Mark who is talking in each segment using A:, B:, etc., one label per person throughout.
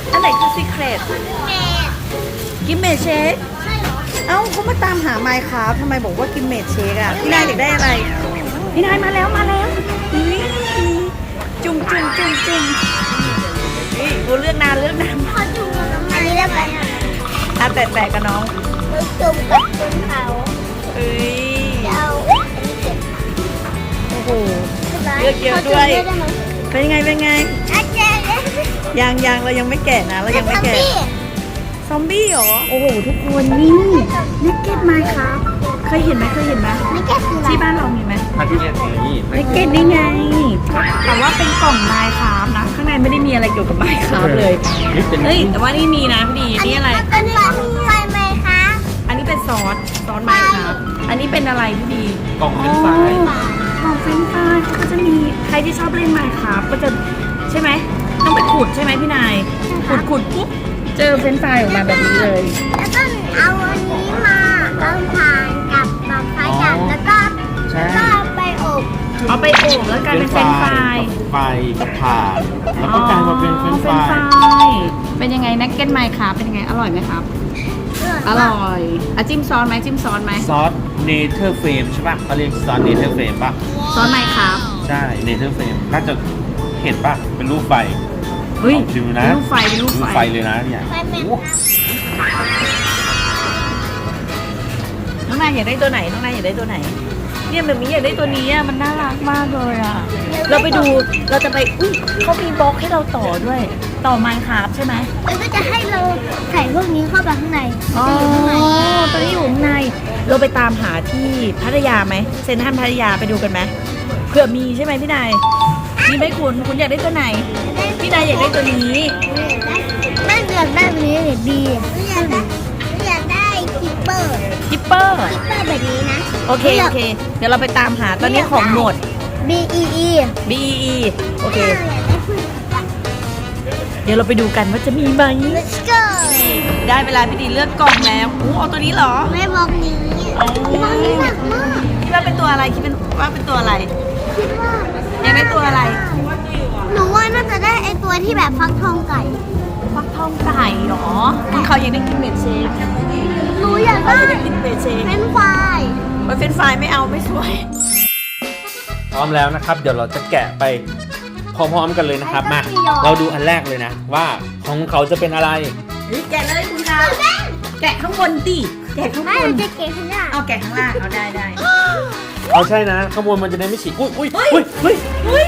A: อันไหนคือซีเครตกิมเมดเชคเอ้าเขามาตามหาไมค์ครับทำไมบอกว่ากิมเมดเชคอะพี่นายอยากได้อะไรพี่นายมาแล้วอุ๊ยจุ่มนี่กูเลือกนาน
B: พอจุ่มอันนี้แล้วกัน
A: อ่ะแตะกับน้อง
B: จุ่มกับจุ่มเขา
A: เอ้ย
B: เอาอันนี้เก็บ
A: โอ้โหเลือกเยอะด้วย เป็นไง
B: อาจารย์
A: ยังเรายังไม่แกะนะเรายังไม่แกะซอมบี้เหรอโอ้โหทุกคนนี่นิกเก็ตไมค์ครับเคยเห็นไหม
B: ไม่แก้คืออะไร
A: ที่บ้านเรามีไหม
C: ถ้าที่เนี่ยนี่
A: นิกเก็ตนี่ไงแต่ว่าเป็นกล่องไมค์ครับนะข้างในไม่ได้มีอะไรเกี่ยวกับไมค์ครับเลย
C: นี่เป็น
A: เฮ้ยแต่ว่านี่มีนะพี่ดีนี่อะไร
B: อันนี้ไฟไหมคะ
A: อันนี้เป็นซอสไมค์ครับอันนี้เป็นอะไรพี่ดี
C: กล่องเป็นไฟ
A: ของเฟรนช์ฟรายเขาก็จะมีใครที่ชอบเล่นไมค์ครับก็จะใช่ไหมต้องไปขุดใช่ไหมพี่นายขุดปุ๊บเจอเฟรนช์ฟรายออกมาแบบนี้เลย
B: แล้วก็เอาอันนี้มาเอาถ่านกับแบบไฟจับแล้วก็
C: ใช่
B: ไปอบ
A: เอาไปอบแล้วกลายเป็นเฟรนช์ฟราย
C: ไฟกับถ่านแล้วก็กลายมาเป็นเฟรนช์ฟราย
A: เป็นยังไงนักเก็ตไมค์ครับเป็นยังไงอร่อยไหมครับอร่อยอ่ะจิ้มซอสไหม
C: ซอสเนเธอร์เฟรมใช่ป่ะเขาเรียกซอสเนเธอร์เฟรมป่ะ
A: ซอสไมค์ครับ
C: ใช่เนเธอร์เฟรมน่าจะเห็นป่ะเป็นรูปไฟ
A: เฮ้ย
C: ลองชิมนะ
A: เป็นรูปไฟ
C: รูปไฟเลยนะเนี่ย
B: ไฟแม่
C: โอ้
A: น้องนายอยากได้ตัวไหนเนี่ยแบบนี้อยากได้ตัวนี้อ่ะมันน่ารักมากเลยอ่ะเราไปดูเราจะไปอุ้ยเขามีบล็อกให้เราต่อด้วยต่อไมค์ครับใช่ไหม
B: แล้วก็จะให้เราใส่พวกนี้เข้าไปข้างใน
A: อ๋อ
B: จะอยู่ข้างใน
A: ตัวนี้อยู่ข้างในเราไปตามหาที่พัทยาไหมเซ็นทรัลพัทยาไปดูกันไหมเผื่อมีใช่ไหมพี่นายมีไหมคุณอยากได้ตัวไหนพี่นายอยากได้ตัวนี้
B: ไม่เลือกได้แบบนี้เลยดีอยากได้คิปเปอร์
A: คิปเปอร์
B: แบบนี้นะ
A: โอเคเดี๋ยวเราไปตามหาตอนนี้ของหมด
B: B E E
A: BEE โอเคเดี๋ยวเราไปดูกันว่าจะมีไหม
B: Let's go
A: ได้เวลาพี่ดีเลือกกล่องแล้วเอาตัวนี้เหรอ
B: แม่บอกนี้บอกนี้หนักมาก
A: คิดว่าเป็นตัวอะไรคิดว่าเป็นตัวอะไร
B: คิดว่า
A: อยากได้ตัวอะไร
B: หนูว่าน่าจะได้ไอตัวที่แบบฟักทองไก่
A: ฟักทองไก่เหรอเขาอยากได้กินเมดเชค
B: หนูอยาก
A: เขา
B: ได้
A: อยากได้กินเมดเชค
B: เป็นไฟ
A: มันเป็นไฟล์ไม่เอาไม่สวย
C: พร้อมแล้วนะครับ เดี๋ยวเราจะแกะไปพร้อมๆกันเลยนะครับมาเราดูอันแรกเลยนะ ว่าของเขาจะเป็นอะไร
A: แกะเลยคุณคะแกะข้างบนดิแกะข้าง
B: ไม่
A: บ
B: เรา
A: น
B: จะเก็บข้างหน้า
A: เอาแกะข้างล่างเอาได้
C: เอาใช่นะข้างบนมันจะได้ไม่ฉีกอุ้ย
A: เฮ้ย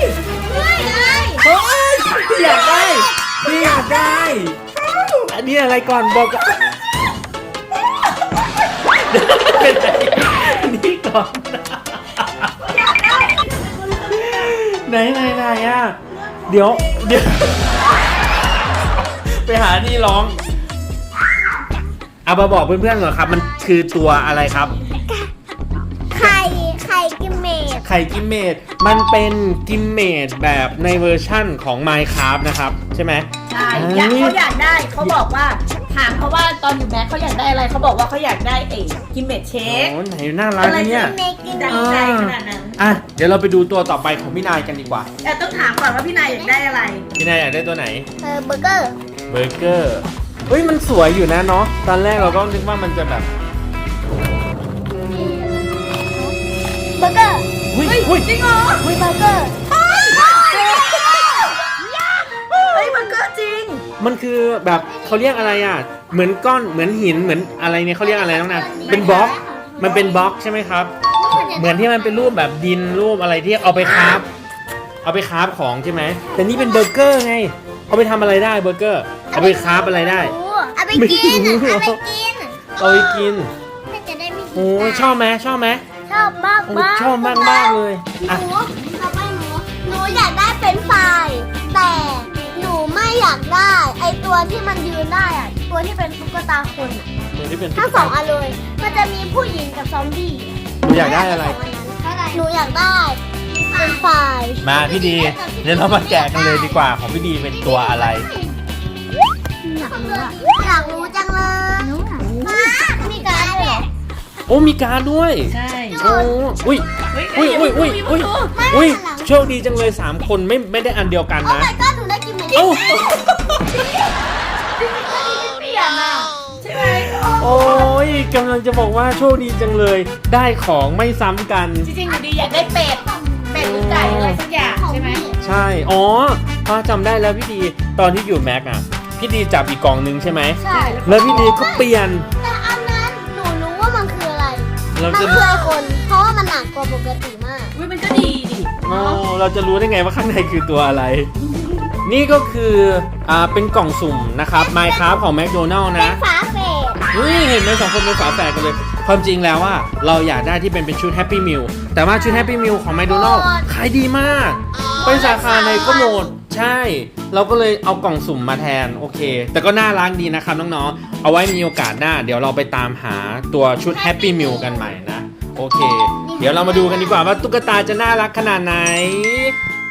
C: พี่อยากได้อันนี้อะไรก่อนบอกก่อนเป็นอันนี้ก่อนไหนอ่ะเดี๋ยวไปหาที่ร้องเอามาบอกเพื่อนๆก่อนครับมันคือตัวอะไรครับ
B: ไข่กิมเมด
C: ไข่กิมเมดมันเป็นกิมเมดแบบในเวอร์ชั่นของ Minecraft นะครับใช่ไหม
A: ใช่เขาอยากได้เขาบอกว่าถามเขาว่าตอนอยู่แม็กเขาอยากได้อะไรเขาบอกว่าเขาอยากได้ไอ้กินเมดเชค
C: โอ้ไหนน่ารักนะเนี่ย
B: เมกิน
A: ดังใจขนาดนั้น
C: อ่ะเดี๋ยวเราไปดูตัวต่อไปของพี่นายกันดีกว่า
A: แต่ต้องถามก่อนว่าพี่นายอยากได้อะไร
C: พี่นายอยากได้ตัวไหน
B: เบอร์เกอร์
C: เบอร์เกอร์เฮ้ยมันสวยอยู่นะเนาะตอนแรกเราก็นึกว่ามันจะแบบ
B: เบอร์เกอร์
C: อุ้ย
A: จริงเหรอ
B: เบอร์เกอร์
A: เฮ้ยมันก็จริง
C: มันคือแบบเขาเรียกอะไรอ่ะเหมือนก้อนเหมือนหินเหมือนอะไรเนี่ยเขาเรียกอะไรน้องนะเป็นบล็อกมันเป็นบล็อกใช่ไหมครับ เหมือนที่มันเป็นรูปแบบดินรูปอะไรที่เอาไปคราฟของใช่ไหมแต่นี่เป็นเบอร์เกอร์ไงเอาไปทำอะไรได้เบอร์เกอร์เอาไปคราฟอะไรได้
B: เอาไปกิน
C: ไม่รู้
B: เอาไปกิน
C: เอาไปกิน
B: ถ้าจะได้ไม่หิว
C: โอ้ยชอบไหม
B: ชอบมาก
C: โอ้ยชอบมากเลย
B: ห
C: อ่ะ
B: นูเอาไปหนูอยากได้เป็นไฟรายแต่หนูไม่อยากได้ไอตัวที่มันยืนได้อะตัวที่เป็นตุ๊กตาคนอะ
C: ตัวที่เป็น
B: ทั้งสองอันเลยมันจะมีผู้หญิงกับซอมบี้
C: หนูอยากได้อะไร
B: หนูอยากได้เป็นไฟราย
C: มาพี่ดีเดี๋ยวเรามาแกะกันเลยดีกว่าของพี่ดีเป็นตัวอะไร
B: อยากรู้จังเลยมามีการดด้วยเหรอ
C: โอ้มีการดด้วย
A: ใช่
C: โอ้อุ้ยโชคดีจังเลย3คนไม่ได้อันเดียวกัน
B: โอ้
C: นะ
B: my god หนูได้กินเหมือน
C: เอ้ากำลังจะบอกว่าโชคดีจังเลย ได้ของไม่ซ้ำกัน
A: จริงๆหนูดีอยากได้เป็ดหรือไก่อะไรสักอย่างใช่ไหม
C: ใช่ อ๋อพอจำได้แล้วพี่ดีตอนที่อยู่แม็กอะพี่ดีจับอีกกล่องนึงใช่ไหม
B: ใช่
C: แล้วพี่ดีก็เปลี่ยน
B: แต่อันนั้นหนูรู้ว่ามันคืออะไร
C: เรา
B: มัน
C: จะ
B: คือไอคน เพราะว่ามันหนักกว่าปกติมาก
A: อุ้ยมันก็ดีดิ
C: อ๋อเราจะรู้ได้ไงว่าข้างในคือตัวอะไร นี่ก็คือเป็นกล่องสุ่มนะครับ Minecraft ของ McDonald
B: เป็น
C: นะ
B: ฝาเศษ
C: เห็นไหม2 คนเป็นฝาแฝดกันเลย ความจริงแล้วว่าเราอยากได้ที่เป็นชุด Happy Meal แต่ว่าชุด Happy Meal ของ McDonald ขายดีมาก ไปสาขาไหนก็หมด ใช่ เราก็เลยเอากล่องสุ่มมาแทน โอเค แต่ก็น่ารักดีนะครับน้องๆ เอาไว้มีโอกาสหน้า เดี๋ยวเราไปตามหาตัวชุด Happy Meal กันใหม่นะ โอเค เดี๋ยวเรามาดูกันดีกว่าว่าตุ๊กตาจะน่ารักขนาดไหน